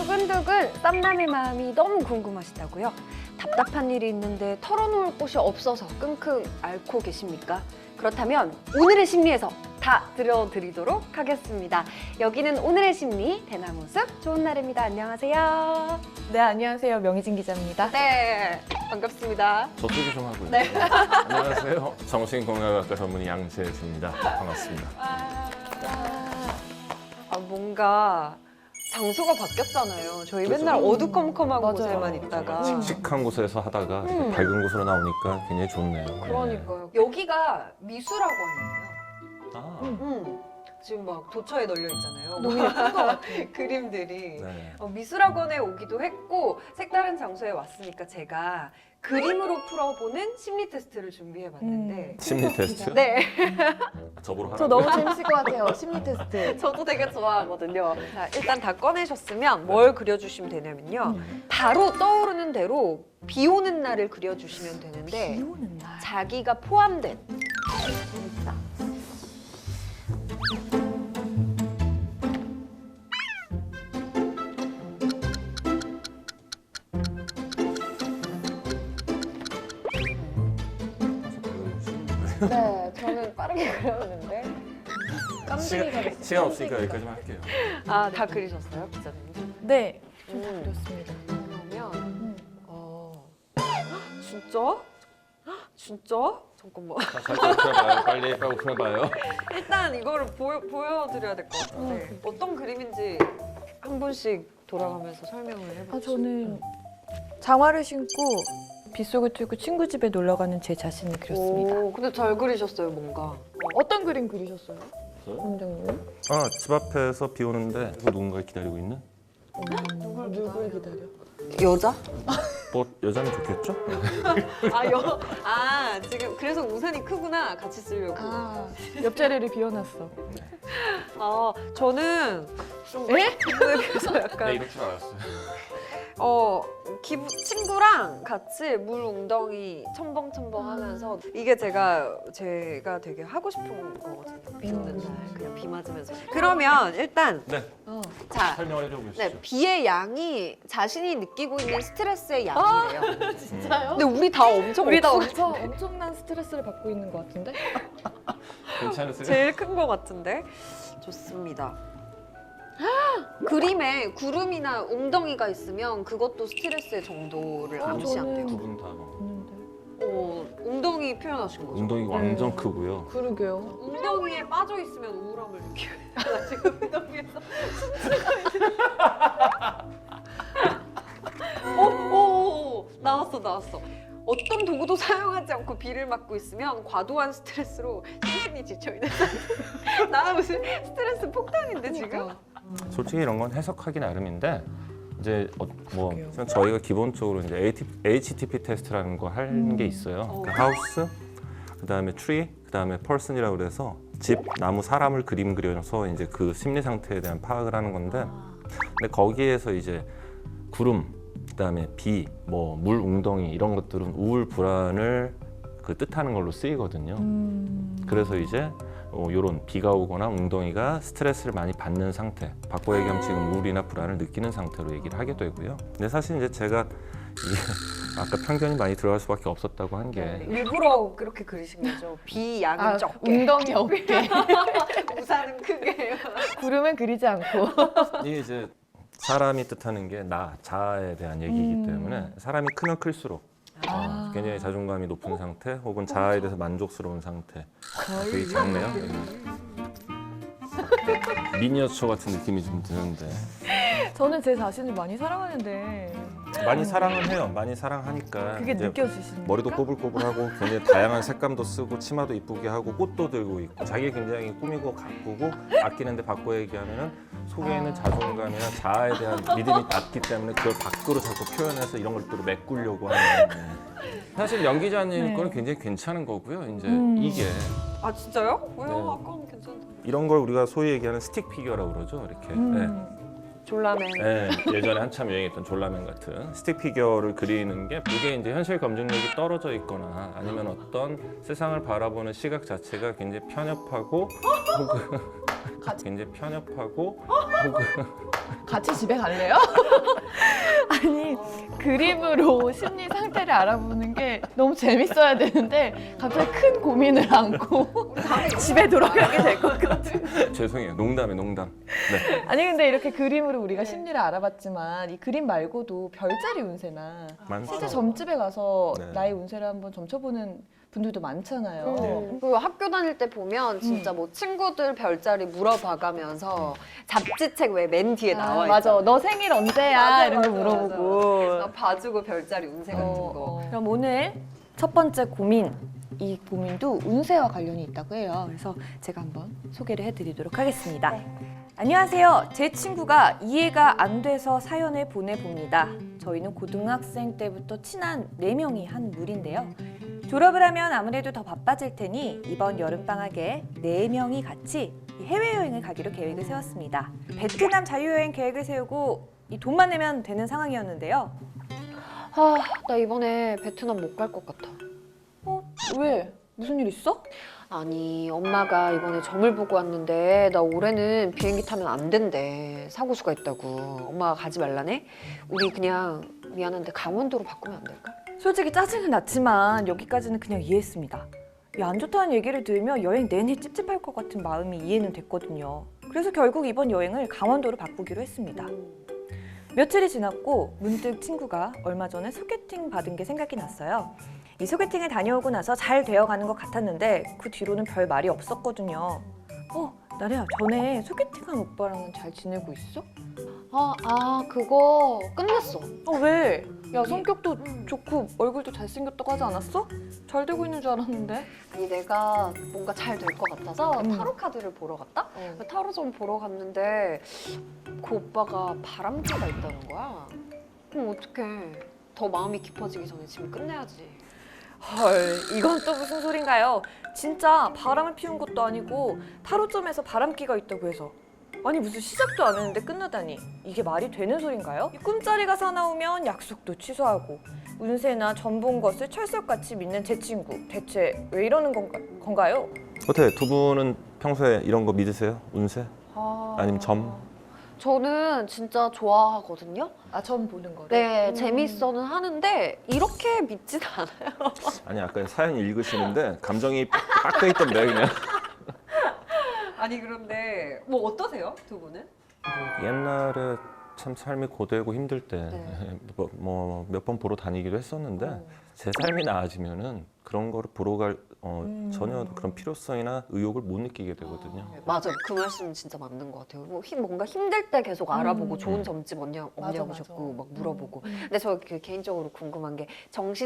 두근두근 썸남의 마음이 너무 궁금하시다고요? 답답한 일이 있는데 털어놓을 곳이 없어서 끙끙 앓고 계십니까? 그렇다면 오늘의 심리에서 다 들려드리도록 하겠습니다. 여기는 오늘의 심리 대나무숲 좋은 날입니다. 안녕하세요. 네, 안녕하세요. 명희진 기자입니다. 네, 반갑습니다. 저 소개 좀 하고요. 네. 안녕하세요. 정신건강학과 전문의 양재수입니다. 반갑습니다. 뭔가 장소가 바뀌었잖아요. 저희 그렇죠. 맨날 어두컴컴한 맞아요. 곳에만 있다가. 칙칙한 곳에서 하다가 이렇게 밝은 곳으로 나오니까 굉장히 좋네요. 그러니까요. 여기가 미술학원이에요. 아, 지금 막 도처에 널려 있잖아요. 너무 예쁜 것 같아요. 그림들이. 네. 미술학원에 오기도 했고 색다른 장소에 왔으니까 제가 그림으로 풀어보는 심리 테스트를 준비해봤는데 심리 테스트? 네, 저보러 하라고? 저 너무 재밌을 것 같아요. 심리 테스트. 저도 되게 좋아하거든요. 자, 일단 다 꺼내셨으면 뭘 그려주시면 되냐면요. 바로 떠오르는 대로 비 오는 날을 그려주시면 되는데 비 오는 날. 자기가 포함된 진짜. 네, 저는 빠르게 그렸는데 시간 없으니까 여기까지만 할게요. 아, 다 그리셨어요, 기자님? 네, 음. 다 그렸습니다. 그러면 진짜? 진짜? 잠깐만. 잘 오픈해봐요. 빨리 오픈해봐요. 일단 이거를 보여드려야 될 것 같은데 어떤 그림인지 한 분씩 돌아가면서 설명을 해보세요. 저는 장화를 신고 빗속을 뚫고 친구 집에 놀러 가는 제 자신을 그렸습니다. 오, 근데 잘 그리셨어요, 뭔가. 어떤 그림 그리셨어요? 원장님? 아, 집 앞에서 비 오는데 누군가를 기다리고 있는? 누굴 기다려? 여자? 뭐 여자면 좋겠죠? 지금 그래서 우산이 크구나. 같이 쓰려고. 옆자리를 비워놨어. 저는 좀 기분에 비해서 약간 이럴 줄 알았어요. 친구랑 같이 물 웅덩이 첨벙첨벙 하면서 이게 제가 되게 하고 싶은 거거든요. 비 오는 날 그냥 비 맞으면서. 그러면 일단 네, 자, 설명을 해주시죠. 네, 비의 양이 자신이 느끼고 있는 스트레스의 양이래요. 진짜요? 근데 우리 다 엄청 우리 다 없어. 엄청난 스트레스를 받고 있는 것 같은데? 괜찮으세요? 제일 큰 거 같은데. 좋습니다. 그림에 구름이나 웅덩이가 있으면 그것도 스트레스의 정도를 암시한대요. 두 분 다. 웅덩이 표현하신 거죠? 웅덩이 완전 크고요. 그러게요. 웅덩이에 빠져 있으면 우울함을 느껴요. 나 지금 웅덩이에서 오, 나왔어. 어떤 도구도 사용하지 않고 비를 맞고 있으면 과도한 스트레스로 심신이 지쳐있는 상태. 나 무슨 스트레스 폭탄인데 지금? 솔직히 이런 건 해석하기 나름인데 이제 그러게요. 저희가 기본적으로 이제 HTP 테스트라는 거 하는 게 있어요. 그러니까 하우스, 그다음에 트리, 그다음에 퍼슨이라고 그래서 집, 나무, 사람을 그림 그려서 이제 그 심리 상태에 대한 파악을 하는 건데, 근데 거기에서 이제 구름, 그다음에 비, 뭐 물 웅덩이 이런 것들은 우울 불안을 그 뜻하는 걸로 쓰이거든요. 그래서 이제 이런 비가 오거나 웅덩이가 스트레스를 많이 받는 상태, 바꿔 얘기하면 지금 우울이나 불안을 느끼는 상태로 얘기를 하게 되고요. 근데 사실 이제 제가 이게 아까 편견이 많이 들어갈 수밖에 없었다고 한 게 일부러 그렇게 그리신 거죠. 비 양은 적게, 웅덩이 없게. 우산은 크게. 구름은 그리지 않고. 이게 이제 사람이 뜻하는 게 나, 자아에 대한 얘기이기 때문에 사람이 크면 클수록 굉장히 자존감이 높은 상태 혹은 자아에 대해서 만족스러운 상태. 되게 작네요. 미니어처 같은 느낌이 좀 드는데 저는 제 자신을 많이 사랑하는데 많이 사랑은 해요. 많이 사랑하니까 그게 이제 느껴지시는 머리도 꼬불꼬불하고 굉장히 다양한 색감도 쓰고 치마도 이쁘게 하고 꽃도 들고 있고 자기 굉장히 꾸미고 가꾸고 아끼는데 바꿔 얘기하면은 속에 있는 자존감이나 자아에 대한 믿음이 낮기 때문에 그걸 밖으로 자꾸 표현해서 이런 것들을 메꾸려고 하는 사실 연 기자님 거는 굉장히 괜찮은 거고요. 이제 이게 아 진짜요? 왜요? 네. 아까는 괜찮던데. 이런 걸 우리가 소위 얘기하는 스틱 피규어라고 그러죠. 이렇게 네. 졸라맨. 네, 예전에 한참 유행했던 졸라맨 같은 스틱 피규어를 그리는 게 이게 이제 현실 검증력이 떨어져 있거나 아니면 어떤 세상을 바라보는 시각 자체가 굉장히 편협하고 혹은 굉장히 편협하고 혹은 같이 집에 갈래요? 아니 그림으로 심리 상태를 알아보는 게 너무 재밌어야 되는데 갑자기 큰 고민을 안고 집에 돌아가게 될 것 같은. 죄송해요. 농담에 농담. 네. 아니 근데 이렇게 그림으로 우리가 심리를 알아봤지만 이 그림 말고도 별자리 운세나 많죠. 실제 점집에 가서 네. 나의 운세를 한번 점쳐보는 분들도 많잖아요. 그리고 학교 다닐 때 보면 진짜 뭐 친구들 별자리 물어봐가면서 잡지책 왜 맨 뒤에 나와 맞아. 있잖아. 너 생일 언제야? 맞아, 이런 거 맞아, 물어보고. 나 봐주고 별자리 운세 같은 거. 그럼 오늘 첫 번째 고민, 이 고민도 운세와 관련이 있다고 해요. 그래서 제가 한번 소개를 해드리도록 하겠습니다. 안녕하세요. 제 친구가 이해가 안 돼서 사연을 보내봅니다. 저희는 고등학생 때부터 친한 4명이 한 무리인데요. 졸업을 하면 아무래도 더 바빠질 테니 이번 여름방학에 4명이 같이 해외여행을 가기로 계획을 세웠습니다. 베트남 자유여행 계획을 세우고 이 돈만 내면 되는 상황이었는데요. 아, 나 이번에 베트남 못 갈 것 같아. 왜? 무슨 일 있어? 아니, 엄마가 이번에 점을 보고 왔는데 나 올해는 비행기 타면 안 된대. 사고수가 있다고. 엄마가 가지 말라네. 우리 그냥 미안한데 강원도로 바꾸면 안 될까? 솔직히 짜증은 났지만 여기까지는 그냥 이해했습니다. 이 안 좋다는 얘기를 들으면 여행 내내 찝찝할 것 같은 마음이 이해는 됐거든요. 그래서 결국 이번 여행을 강원도로 바꾸기로 했습니다. 며칠이 지났고 문득 친구가 얼마 전에 소개팅 받은 게 생각이 났어요. 이 소개팅을 다녀오고 나서 잘 되어가는 것 같았는데 그 뒤로는 별 말이 없었거든요. 나래야, 전에 소개팅한 오빠랑은 잘 지내고 있어? 그거 끝났어. 왜? 야, 성격도 좋고 얼굴도 잘생겼다고 하지 않았어? 잘 되고 있는 줄 알았는데. 아니, 내가 뭔가 잘 될 것 같아서 타로 카드를 보러 갔다? 어. 타로점 보러 갔는데 그 오빠가 바람기가 있다는 거야. 그럼 어떡해. 더 마음이 깊어지기 전에 지금 끝내야지. 헐, 이건 또 무슨 소린가요? 진짜 바람을 피운 것도 아니고 타로점에서 바람기가 있다고 해서 아니 무슨 시작도 안 했는데 끝나다니 이게 말이 되는 소린가요? 이 꿈자리가 사나우면 약속도 취소하고 운세나 전 본 것을 철석같이 믿는 제 친구 대체 왜 이러는 건가요? 어때? 두 분은 평소에 이런 거 믿으세요? 운세? 아니면 점? 저는 진짜 좋아하거든요. 점 보는 거를? 네, 재밌어는 하는데 이렇게 믿진 않아요. 아니 아까 사연 읽으시는데 감정이 빡 돼 있던데 그냥. 아니 그런데 뭐 어떠세요, 두 분은? 옛날에 참 삶이 고되고 힘들 때 네. 뭐 몇 번 보러 다니기도 했었는데 제 삶이 나아지면은 그런 거를 보러 갈 전혀 그런 필요성이나 의욕을 못 느끼게 되거든요. 맞아요. 그 말씀 진짜 맞는 것 같아요. 뭔가 힘들 때 계속 알아보고 좋은 점집 없냐고 맞아. 자꾸 막 물어보고. 근데 저 개인적으로 궁금한 게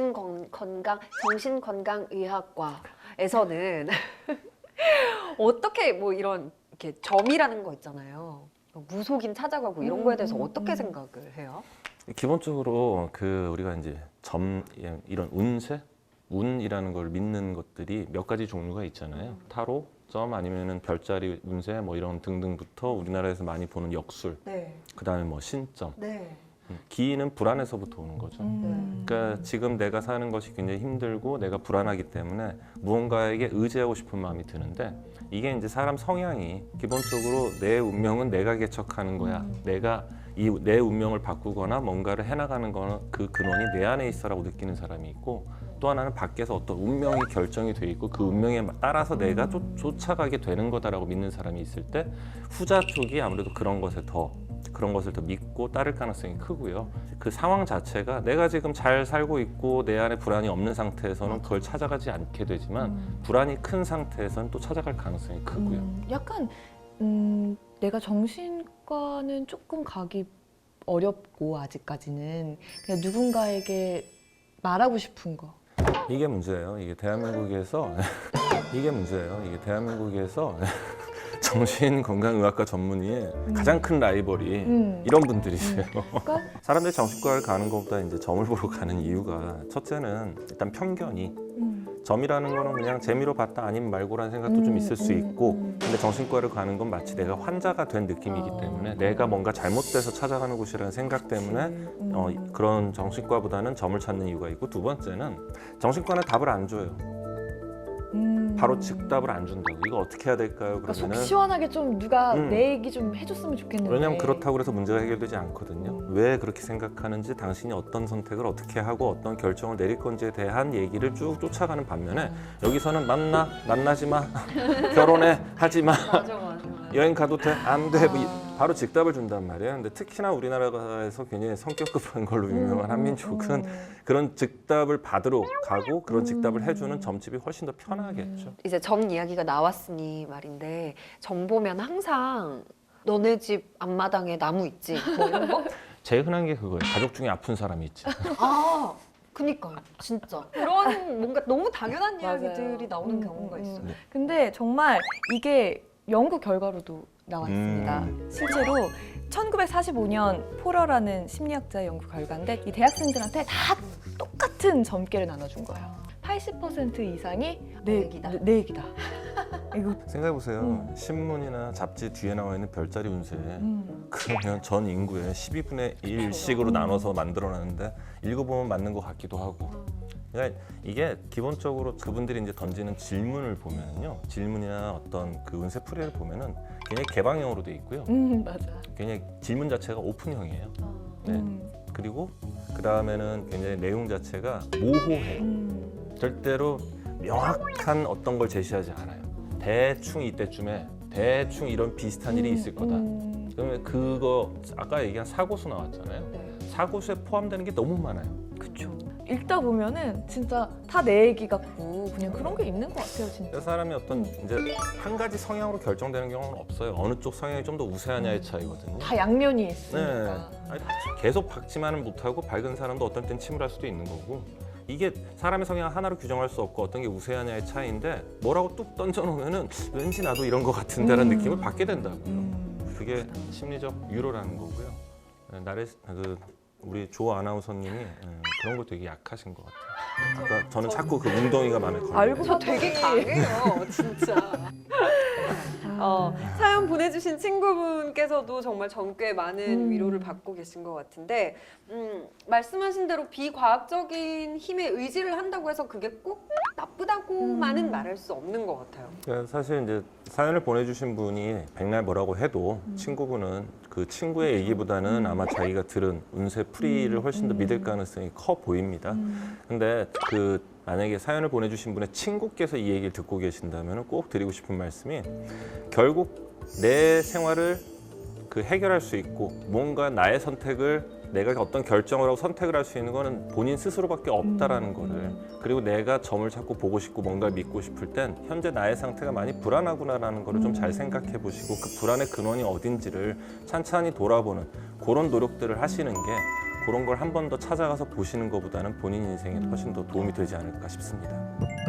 정신건강의학과에서는 어떻게 뭐 이런 이렇게 점이라는 거 있잖아요. 무속인 찾아가고 이런 거에 대해서 어떻게 생각을 해요? 기본적으로 그 우리가 이제 점 이런 운세, 운이라는 걸 믿는 것들이 몇 가지 종류가 있잖아요. 타로, 점 아니면은 별자리 운세 뭐 이런 등등부터 우리나라에서 많이 보는 역술, 네. 그다음에 뭐 신점. 네. 기는 불안에서부터 오는 거죠. 그러니까 지금 내가 사는 것이 굉장히 힘들고 내가 불안하기 때문에 무언가에게 의지하고 싶은 마음이 드는데 이게 이제 사람 성향이 기본적으로 내 운명은 내가 개척하는 거야. 내가 내 운명을 바꾸거나 뭔가를 해나가는 거는 그 근원이 내 안에 있어라고 느끼는 사람이 있고 또 하나는 밖에서 어떤 운명이 결정이 돼 있고 그 운명에 따라서 내가 쫓아가게 되는 거다라고 믿는 사람이 있을 때 후자 쪽이 아무래도 그런 것을 더 믿고 따를 가능성이 크고요. 그 상황 자체가 내가 지금 잘 살고 있고 내 안에 불안이 없는 상태에서는 그걸 찾아가지 않게 되지만 불안이 큰 상태에서는 또 찾아갈 가능성이 크고요. 약간 내가 정신과는 조금 가기 어렵고 아직까지는 그냥 누군가에게 말하고 싶은 거. 이게 문제예요. 이게 대한민국에서 이게 문제예요. 이게 대한민국에서 정신건강의학과 전문의의 가장 큰 라이벌이 이런 분들이세요. 그러니까 사람들이 정신과를 가는 것보다 이제 점을 보러 가는 이유가 첫째는 일단 편견이 점이라는 거는 그냥 재미로 봤다 아니면 말고라는 생각도 좀 있을 수 있고 근데 정신과를 가는 건 마치 내가 환자가 된 느낌이기 때문에 내가 뭔가 잘못돼서 찾아가는 곳이라는 생각 때문에 그런 정신과보다는 점을 찾는 이유가 있고 두 번째는 정신과는 답을 안 줘요. 바로 즉답을 안 준다고. 이거 어떻게 해야 될까요? 그러니까 속 그러면은 시원하게 좀 누가 음. 내 얘기 좀 해줬으면 좋겠는데. 왜냐하면 그렇다고 해서 문제가 해결되지 않거든요. 왜 그렇게 생각하는지, 당신이 어떤 선택을 어떻게 하고 어떤 결정을 내릴 건지에 대한 얘기를 쭉 쫓아가는 반면에 여기서는 만나지 마, 결혼해, 하지 마, 맞아. 여행 가도 돼, 안 돼, 바로 즉답을 준단 말이에요. 근데 특히나 우리나라에서 굉장히 성격 급한 걸로 유명한 한민족은 그런 즉답을 받으러 가고 그런 즉답을 해주는 점집이 훨씬 더 편하겠죠. 이제 점 이야기가 나왔으니 말인데 점 보면 항상 너네 집 앞마당에 나무 있지 뭐 이런 거? 제일 흔한 게 그거예요. 가족 중에 아픈 사람이 있지. 아 그니까요 진짜 그런 뭔가 너무 당연한 맞아요. 이야기들이 나오는 경우가 있어요. 근데 정말 이게 연구 결과로도 나와 있습니다. 실제로 1945년 포러라는 심리학자의 연구 결과인데 이 대학생들한테 다 똑같은 점괘를 나눠준 거예요. 80% 이상이 내 얘기다. 내 얘기다. 이거 생각해보세요. 신문이나 잡지 뒤에 나와 있는 별자리 운세 그러면 전 인구의 12분의 1씩으로 나눠서 만들어놨는데 읽어보면 맞는 것 같기도 하고. 그러니까 이게 기본적으로 그분들이 이제 던지는 질문을 보면요, 질문이나 어떤 그 운세 풀이를 보면은 굉장히 개방형으로 돼 있고요. 맞아. 굉장히 질문 자체가 오픈형이에요. 네. 그리고 그 다음에는 굉장히 내용 자체가 모호해요. 절대로 명확한 어떤 걸 제시하지 않아요. 대충 이때쯤에 대충 이런 비슷한 일이 있을 거다. 그러면 그거 아까 얘기한 사고수 나왔잖아요. 네. 사고수에 포함되는 게 너무 많아요. 그쵸. 읽다 보면은 진짜 다 내 얘기 같고 그냥 그런 게 있는 것 같아요, 진짜. 그 사람이 어떤 이제 한 가지 성향으로 결정되는 경우는 없어요. 어느 쪽 성향이 좀 더 우세하냐의 차이거든요. 다 양면이 네. 있으니까. 아니, 계속 박지만은 못하고 밝은 사람도 어떤 땐 침울할 수도 있는 거고, 이게 사람의 성향 하나로 규정할 수 없고 어떤 게 우세하냐의 차이인데 뭐라고 뚝 던져놓으면은 왠지 나도 이런 것 같은데라는 느낌을 받게 된다고요. 그게 심리적 유로라는 거고요. 네, 우리 조 아나운서님이 그런 거 되게 약하신 것 같아요. 그러니까 저는 자꾸 그 웅덩이가 마음에 걸려요. 알고 저 되게 강해요, 진짜. 사연 보내주신 친구분께서도 정말 점괘 많은 위로를 받고 계신 것 같은데 말씀하신 대로 비과학적인 힘에 의지를 한다고 해서 그게 꼭 나쁘다고만은 말할 수 없는 것 같아요. 그러니까 사실 이제 사연을 보내주신 분이 백날 뭐라고 해도 친구분은 그 친구의 얘기보다는 아마 자기가 들은 운세 풀이를 훨씬 더 믿을 가능성이 커 보입니다. 근데 만약에 사연을 보내주신 분의 친구께서 이 얘기를 듣고 계신다면 꼭 드리고 싶은 말씀이, 결국 내 생활을 해결할 수 있고 뭔가 나의 선택을, 내가 어떤 결정을 하고 선택을 할 수 있는 거는 본인 스스로밖에 없다라는 거를, 그리고 내가 점을 찾고 보고 싶고 뭔가를 믿고 싶을 땐 현재 나의 상태가 많이 불안하구나라는 거를 좀 잘 생각해 보시고 그 불안의 근원이 어딘지를 찬찬히 돌아보는 그런 노력들을 하시는 게, 그런 걸 한 번 더 찾아가서 보시는 것보다는 본인 인생에 훨씬 더 도움이 되지 않을까 싶습니다.